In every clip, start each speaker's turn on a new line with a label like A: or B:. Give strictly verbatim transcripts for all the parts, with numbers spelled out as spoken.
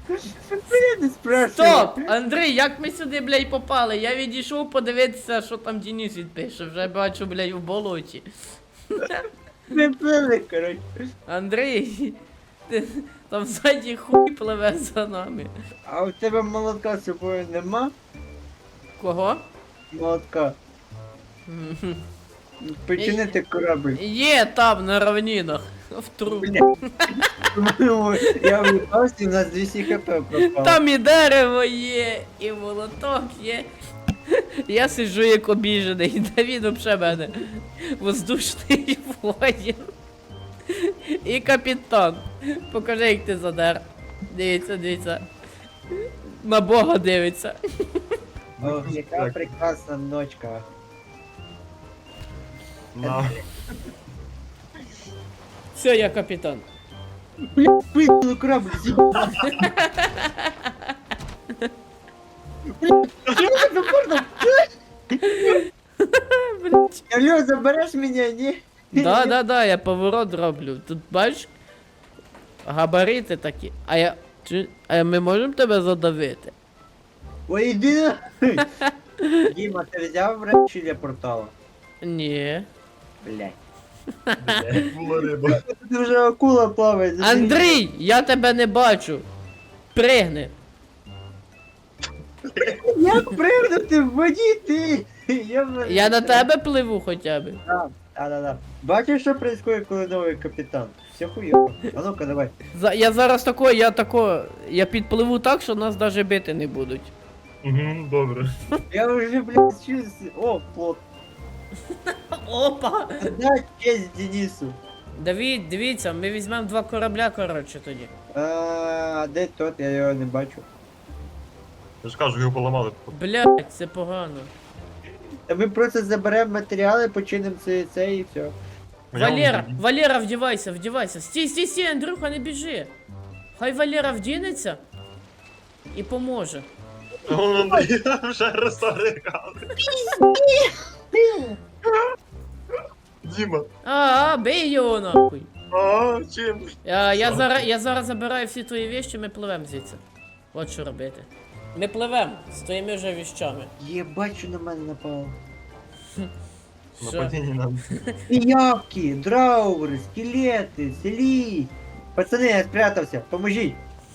A: Я не спрашиваю.
B: Стоп! Андрій, як ми сюди, блядь, попали? Я відійшов подивитися, що там Денис відпише. Вже бачу, блядь, в болоті.
A: Не пили, коротше.
B: Андрій, ти, там ззаді хуй пливе за нами.
A: А у тебе молотка з собою нема?
B: Кого?
A: Молотка.
B: Мгм.
A: Починити корабль.
B: Є там на равнинах. В трубі.
A: Бля. Ну, я випався, і у нас двісті хп пропало.
B: Там і дерево є, і молоток є. Я сиджу як обіжений, Давід вообще мене. Воздушний воїн. І капітан. Покажи, як ти задер. Дивіться, дивіться. На Бога дивиться.
A: Ох, яка прекрасна ночка.
C: На.
B: Все, я капітан.
A: Бля, вийшли корабль, з'їбав. Бля, що за порно?
B: Блять.
A: Алло, забереш мене, ні?
B: Да, да, да, я поворот роблю. Тут бачиш? Габарити такі. А я. Чи. А ми можемо тебе задавити?
A: Ой, іди нахуй. Діма, ти взяв речі для портала?
B: Ні.
A: Блядь.
C: Була риба.
A: Тут вже акула плаває. забери.
B: Андрій, я тебе не бачу. Пригни.
A: Як пригнути в воді ти? Я, в-
B: Я на тебе пливу хоча б.
A: Да, да, да, да. Бачиш, що происходит, коли новий капітан? Все хуйово. А ну-ка, давай.
B: За, я зараз тако, я тако. Я підпливу так, що нас навіть бити не будуть.
C: Угу, добре.
A: Я вже, блядь, чувствую. О, плот.
B: Опа!
A: Дай честь Денису.
B: Давід, дивіться, ми візьмемо два корабля, коротше, тоді.
A: А, де тот? Я його не бачу.
C: Я ж кажу, його поламали.
B: Блять, це погано.
A: Та ми просто заберемо матеріали, починимо це, це і все.
B: Валера, Валера, вдівайся, вдівайся. Стій, стій, стій, Андрюха, не біжи. Хай Валера вдінеться і поможе.
C: Он вже розсарикали. Діма.
B: А, а, бей його нахуй.
C: А, чим?
B: Я, я,
C: Що?
B: зараз, я зараз забираю всі твої вещи, ми пливемо звідси. От що робити. Ми пливемо з твоїми вже віщами.
A: Єбать, що на мене напало.
B: Що?
C: Нападіння нам.
A: Пиявки, драури, скелети, селі. Пацани, я спрятався, поможіть.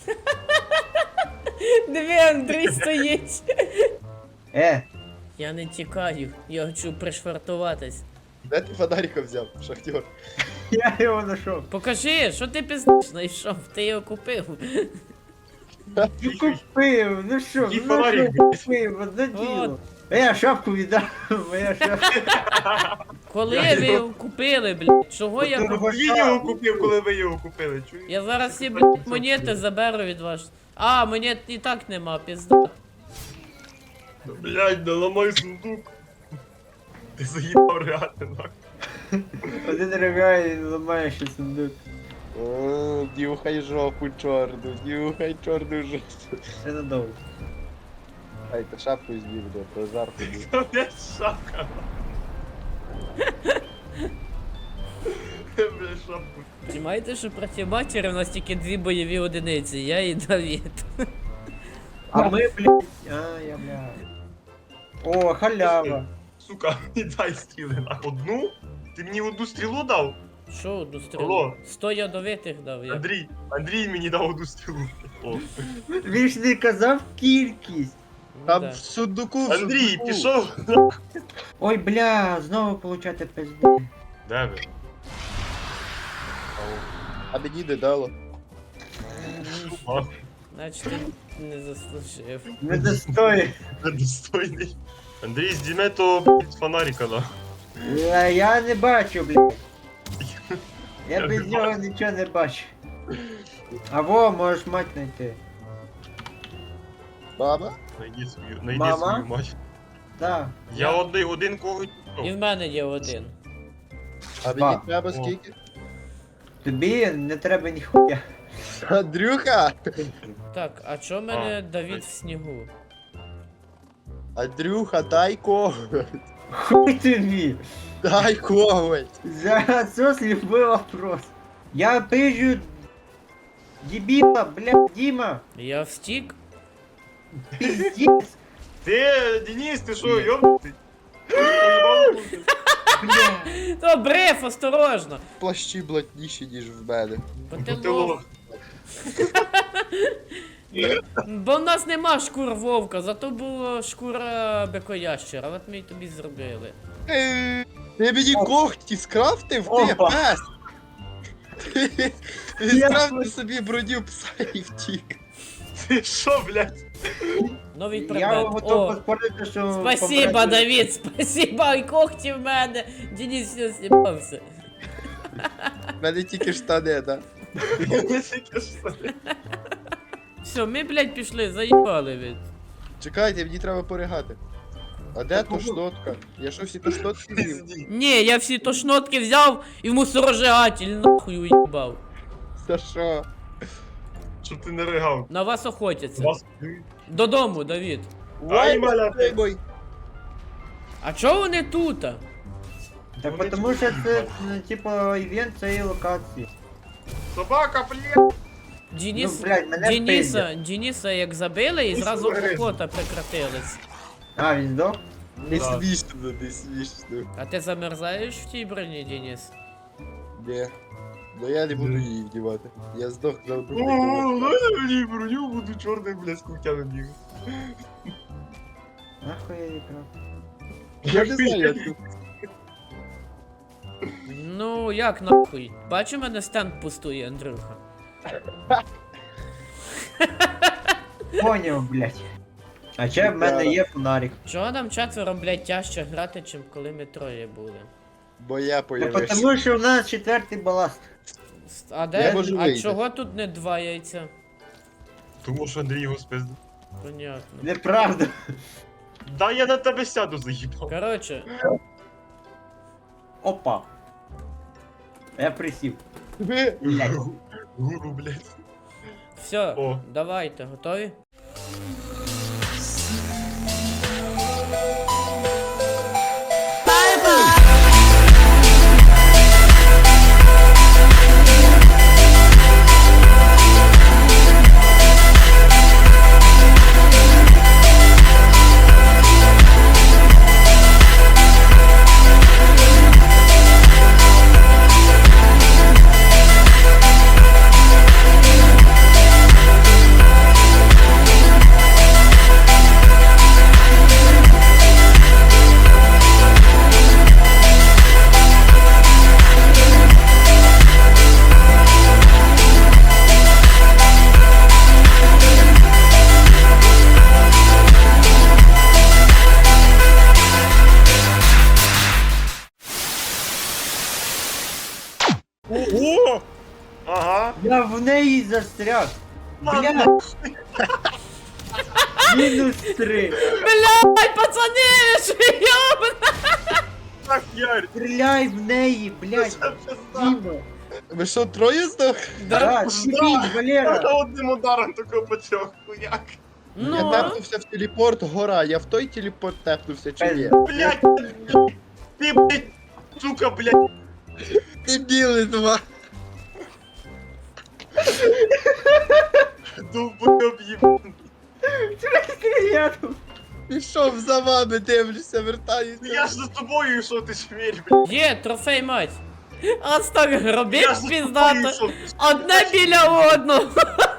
B: Диви, Андрій стоїть.
A: Е,
B: Я не тікаю, я хочу пришвартуватись.
D: Де ти фонарика взяв, шахтер?
A: я його знайшов.
B: Покажи, що ти пиздиш знайшов, ти його купив.
A: Ну купив, ну що,
C: Який
A: ну
C: фонарик,
A: що
C: блядь?
A: купив, одне діло.
B: От.
A: А я шапку віддав, моя шапка.
B: Коли ви його купили, блядь? Чого я
A: Дорого.
B: купив?
C: Він його купив, коли ви його купили, чуєш?
B: Я зараз всі, блядь, монети заберу від вас. А, монет і так нема, пізда.
C: Блядь, не ламай сундук. Ти заїбав реально, нахуй.
A: Один ригає і ламає ще сундук.
D: О, нюхай жопу чорну, нюхай чорну жопу.
A: Це надовго.
D: Ай, ти шапку з'їв, да, то жарко був.
C: Це не шапка. Бля, шапку.
B: Знімаєте, що проти матері у нас тільки дві бойові одиниці, я і Давід.
A: А ми, блядь, а, я, блядь. О, халява.
C: Сука, не дай стріли на одну? Ти мені одну стрілу дав?
B: Що одну стрілу?
C: Алло.
B: Сто ядовитих дав я.
C: Андрій, Андрій мені дав одну стрілу. О.
A: Він ж не казав кількість.
B: Ну,
D: Там
B: да.
D: в сундуку, в
C: Андрій,
D: сундуку.
C: пішов.
A: Ой, бля, знову получати пизду.
C: Де ви?
D: А мені не дало.
C: А,
B: Значить ти не заслужив.
A: Не достої.
C: недостойний. Андрій, зніме то блядь, фонарика, да.
A: Я, я не бачу, блядь. Я
C: Я
A: без
C: не
A: нього
C: бачу.
A: нічого не бачу. Або можеш мать знайти.
D: Мама?
C: Найди свою, найди
A: Мама?
C: свою мать.
A: Да.
C: Я один, один кого.
B: І в мене є один.
D: А мені
A: Два.
D: треба
C: О.
D: скільки?
A: Тобі не треба ніхуя.
D: Андрюха!
B: Так, а чо в мене
C: А,
B: Давід
C: ой.
B: в снігу?
D: Андрюха, дай коготь!
A: Хуй тобі.
D: Дай коготь!
A: За отсос любой вопрос. Я пижу Дебила, блядь, Дима.
B: Я встік.
A: Пиздец,
C: Ти, Денис, ти що, йобнутий? Поїбало бути.
A: блядь.
B: То бреф, осторожно.
D: Плащі блатніші, ніж в мене.
B: Бо
C: Бо
B: ти
C: ти
B: лох.
C: лох.
B: Бо в нас нема шкур вовка, зато була шкура бекоящера, от ми й тобі зробили.
D: Е, Ти мені когті скрафтив, ти
A: Опа.
D: пес! Ти
A: Я-
D: скрафтив собі броню пса і втік.
C: Ти що, блядь?
B: Новий
A: Я
B: предмет.
A: готов
B: О,
A: поспорити, що...
B: спасибо,
A: помрете-
B: Давід, спасибо, і когті в мене. Денис все знімався.
D: В мене тільки штани, да?
C: Я тільки що.
B: Все, ми, блядь, пішли, заїбали від.
D: Чекайте, мені треба поригати. А де тошнотка? Я що всі тошнотки з'їв?
C: Пизді.
B: Ні, я всі тошнотки взяв і в мусорожигатель нахуй уїбав.
D: За що?
C: Щоб ти не ригав.
B: На вас охотяться.
C: Вас...
B: Додому, Давід.
C: Ай, маля, ти.
D: Ой,
B: А чого вони тут?
A: Так потому що це, ну, типа, івент цієї локації.
C: Собака, блядь.
B: Денис,
A: Ну, блядь, мене
B: Дениса, Дениса як забили і
C: Ти
B: зразу
C: суверен.
B: охота прекратилась.
A: А, він здох?
D: не
C: Да.
D: смішно, не смішно.
B: А ти замерзаєш в тій броні, Денис?
D: Ні. Ну я не буду її вдівати. Я здох на одну
C: О,
D: приколу.
C: дай мені броню, буду чорним, блядь, з кутями бігати.
A: Нахуй я іграв.
D: Я не знаю, я тут.
B: Ну, як нахуй? Бачу, мене стенд пустує, Андрюха.
A: Поняв, блядь. А ще в мене є фонарик.
B: Чого нам четверо, блядь, тяжче грати, чим коли ми троє були?
D: Бо я
A: Та
D: появився.
A: потому що в нас четвертий баласт.
B: С- А
D: Я
B: де?
D: можу
B: А
D: вийти.
B: чого тут не два яйця?
C: Тому що Андрій його спиздив.
B: Понятно.
A: Неправда.
C: Да я на тебе сяду, заїбав.
B: Короче,
A: Опа. Я присів.
D: Ви-
A: Блядь.
C: Гуру, блядь.
B: все,
C: О.
B: давайте, готові?
C: О! Ага.
A: Я в неї застряг.
C: Ладно.
A: Блядь. Мінус три.
B: Блядь, пацани, ви що йобана?
C: Так, Ярь.
A: Стріляй в неї, блядь.
C: Це пизда.
A: Діма.
D: Ви що, троє здох?
B: Да.
A: Да, сіпіть, Валера.
C: Одним ударом такого по трьох, хуяк.
D: Я
B: Ну,
D: тепнувся в телепорт, гора, я в той телепорт тепнувся чи ні?
C: Блядь. Ти, блядь, сука, блядь.
D: Ти білий два.
C: Довбойоб їбаний.
A: Я тут.
D: Пішов за вами, дивлюся, вертаюся.
C: Я ж за тобою йшов, ти шміль, блядь.
B: є, трофей мать. Ось так
C: Я
B: робіть
C: ж за тобою
B: піздато.
C: йшов.
B: Одне біля одного.